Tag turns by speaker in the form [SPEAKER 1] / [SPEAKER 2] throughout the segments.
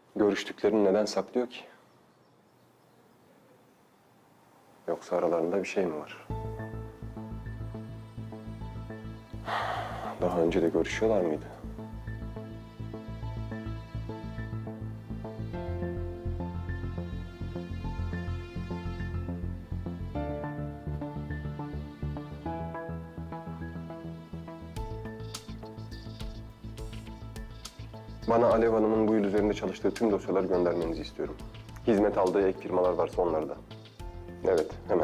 [SPEAKER 1] Görüştüklerini neden saklıyor ki? Yoksa aralarında bir şey mi var? Daha önce de görüşüyorlar mıydı? Bana Alev Hanım'ın bu yıl üzerinde çalıştığı tüm dosyaları göndermenizi istiyorum. Hizmet aldığı ek firmalar varsa onları da. Evet, hemen.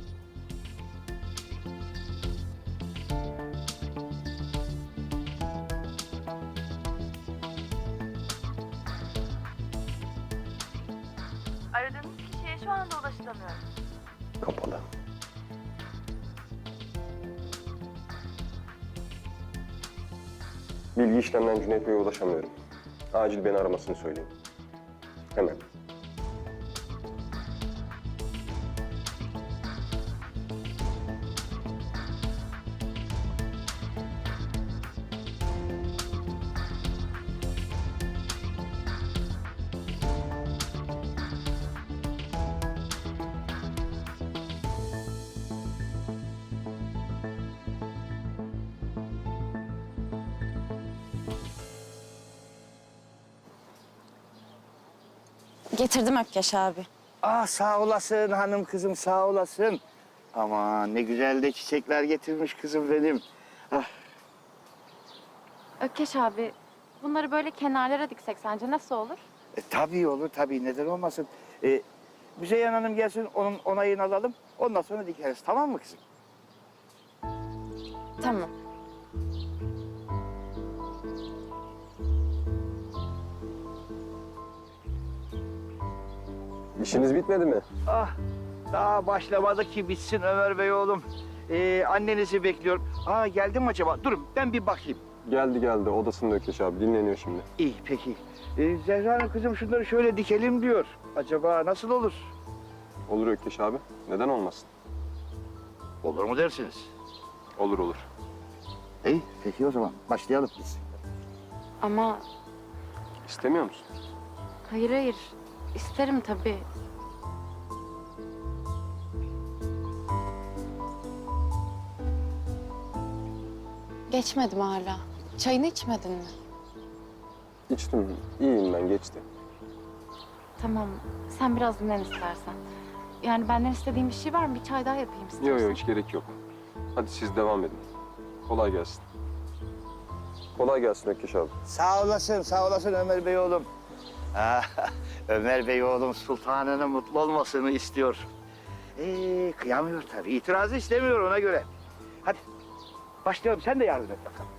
[SPEAKER 2] Aradığınız kişiye şu anda ulaşılamıyor.
[SPEAKER 1] Kapalı. Bilgi işlemden Cüneyt Bey'e ulaşamıyorum. Acil beni aramasını söyleyin. Hemen.
[SPEAKER 3] Getirdim Ökkeş abi.
[SPEAKER 4] Ah sağ olasın hanım kızım sağ olasın. Aman ne güzel de çiçekler getirmiş kızım benim. Ah,
[SPEAKER 2] Ökkeş abi, bunları böyle kenarlara diksek sence nasıl olur?
[SPEAKER 4] tabii olur tabii neden olmasın. Müzeyyen Hanım gelsin onun onayını alalım. Ondan sonra dikeriz tamam mı kızım?
[SPEAKER 3] Tamam.
[SPEAKER 1] İşiniz bitmedi mi?
[SPEAKER 4] Ah daha başlamadı ki bitsin Ömer Bey oğlum. Annenizi bekliyorum. Aa geldi mi acaba? Durun ben bir bakayım.
[SPEAKER 1] Geldi. Odasında Ökeş abi. Dinleniyor şimdi.
[SPEAKER 4] İyi peki. Zehra Hanım kızım şunları şöyle dikelim diyor. Acaba nasıl olur?
[SPEAKER 1] Olur Ökeş abi. Neden olmasın?
[SPEAKER 4] Olur mu dersiniz?
[SPEAKER 1] Olur.
[SPEAKER 4] İyi peki o zaman başlayalım biz.
[SPEAKER 2] Ama
[SPEAKER 1] İstemiyor musun?
[SPEAKER 2] hayır, isterim tabii.
[SPEAKER 3] Geçmedim hala. Çayını içmedin mi?
[SPEAKER 1] İçtim. İyiyim ben. Geçti.
[SPEAKER 2] Tamam, sen biraz dinlen istersen. Yani benden istediğin bir şey var mı? Bir çay daha yapayım istersen.
[SPEAKER 1] Yok hiç gerek yok. Hadi siz devam edin. Kolay gelsin. Kolay gelsin Ökeş abi.
[SPEAKER 4] Sağ olasın Ömer Bey oğlum. Ömer Bey oğlum sultanının mutlu olmasını istiyor. Kıyamıyor tabii. İtirazı istemiyor ona göre. Hadi başlayalım. Sen de yardım et bakalım.